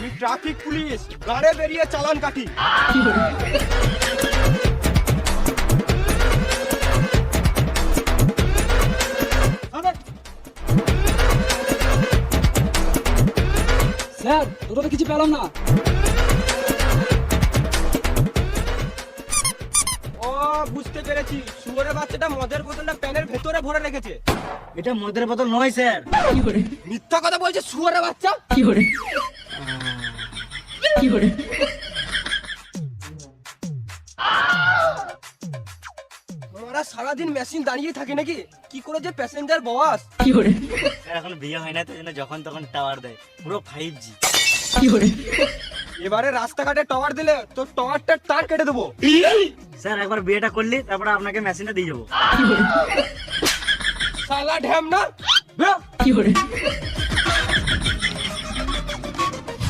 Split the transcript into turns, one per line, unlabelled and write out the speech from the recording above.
আমি traffic police, গাড়ে বেরিয়ে চালান কাটি।
স্যার ওটা তো কিছু পেলাম না।
ও বুঝতে পেরেছি, শুয়োরের বাচ্চাটা মদের বোতলটা প্যানের ভেতরে ভরে রেখেছে।
এটা মদের বোতল নয় স্যার।
মিথ্যা কথা বলছে শুয়োরের বাচ্চা। ওরা সারাদিন মেশিন দাঁড়িয়ে থাকে নাকি? কি করে যে প্যাসেঞ্জার বস।
স্যার এখন বিয়ে হয় না তো জন্য যখন তখন টাওয়ার দেয়, পুরো 5G।
এবারে রাস্তাঘাটে টাওয়ার দিলে তো টাওয়ারটার তার কেটে দেবো।
স্যার একবার বিয়েটা করলি তারপরে আপনাকে মেশিনটা দিয়ে যাবো।
শালা ঢ্যাম না।